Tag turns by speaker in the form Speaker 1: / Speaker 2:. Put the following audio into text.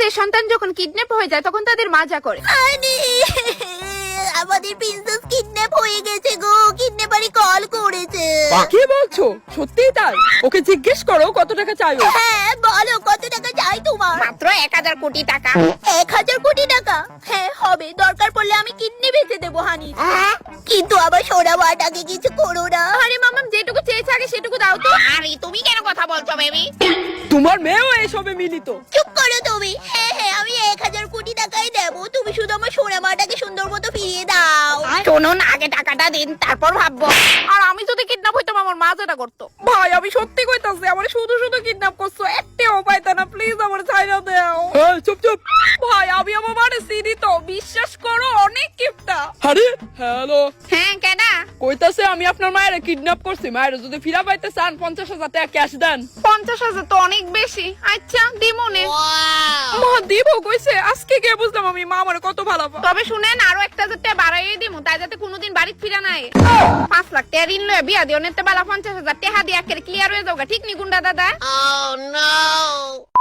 Speaker 1: তাদের সন্তান যখন কিডন্যাপ হয়ে যায় তখন তাদের মা যা করে।
Speaker 2: আমাদের প্রিন্সেস কিডন্যাপ হয়ে গেছে গো, কিডন্যাপারই কল করেছে।
Speaker 3: কি বলছো? সত্যিই তাই? ওকে জিজ্ঞেস করো কত টাকা চাই ও।
Speaker 2: হ্যাঁ বলো, কত টাকা চাই তোমার?
Speaker 1: মাত্র 1000 কোটি টাকা।
Speaker 2: 1000 কোটি টাকা? হ্যাঁ হবে, দরকার পড়লে আমি কিডনি বেচে দেবো হানি। কিন্তু আবার সোনা মাটাকে কিছু করো না।
Speaker 1: আরে মামাম যেটুকু চেয়েছে আগে সেটুকু দাও তো। আরে তুমি কেন কথা বলছো বেবি?
Speaker 3: তোমার মেয়েও এসবে মিলিত।
Speaker 2: চুপ করো তুমি। হ্যাঁ হ্যাঁ আমি 1000 কোটি টাকাই দেবো, তুমি শুধু আমার সোনা মাটাকে সুন্দর মতো ফিরিয়ে দাও।
Speaker 1: শুনুন, আগে টাকাটা দিন তারপর ভাববো। আর আমি যদি কিডন্যাপ হইতাম আমার মা যেটা করতো।
Speaker 3: ভাই আমি সত্যি কইতাছি, আমার শুধু শুধু কিডন্যাপ করছো, একটাও পাইতা না, প্লিজ আমার ছাইড়া দাও। এই চুপ চুপ। ভাই আমি আমার মারে চিনি তো, বিশ্বাস করো অনেক কিপটা। আরে হ্যালো।
Speaker 1: হ্যাঁ কেডা?
Speaker 3: কইতাছে আমি আপনার মায়ের কিডন্যাপ করছি, মায়ের যদি ফিরা পাইতে চান 50,000 টাকা ক্যাশ দেন।
Speaker 1: 50,000 তো অনেক বেশি। আচ্ছা দিমুনে।
Speaker 3: মা দিব কইছে, আজকে গিয়ে বুঝলাম আমি মা আমার কত ভালো পায়।
Speaker 1: তবে শুনেন, আরো 1000 টাকা বাড়াইয়ে দিমু, তাই যাতে কোনোদিন বাড়িতে ফিরা নাই। 5 লাখ টাকা ঋণ লয়ে বিয়া দিও, নেতে বেলা 50,000 টাকা দিয়ে একেবারে ক্লিয়ার হয়ে যাওগা, ঠিক নি গুন্ডা দাদা?
Speaker 2: Oh no!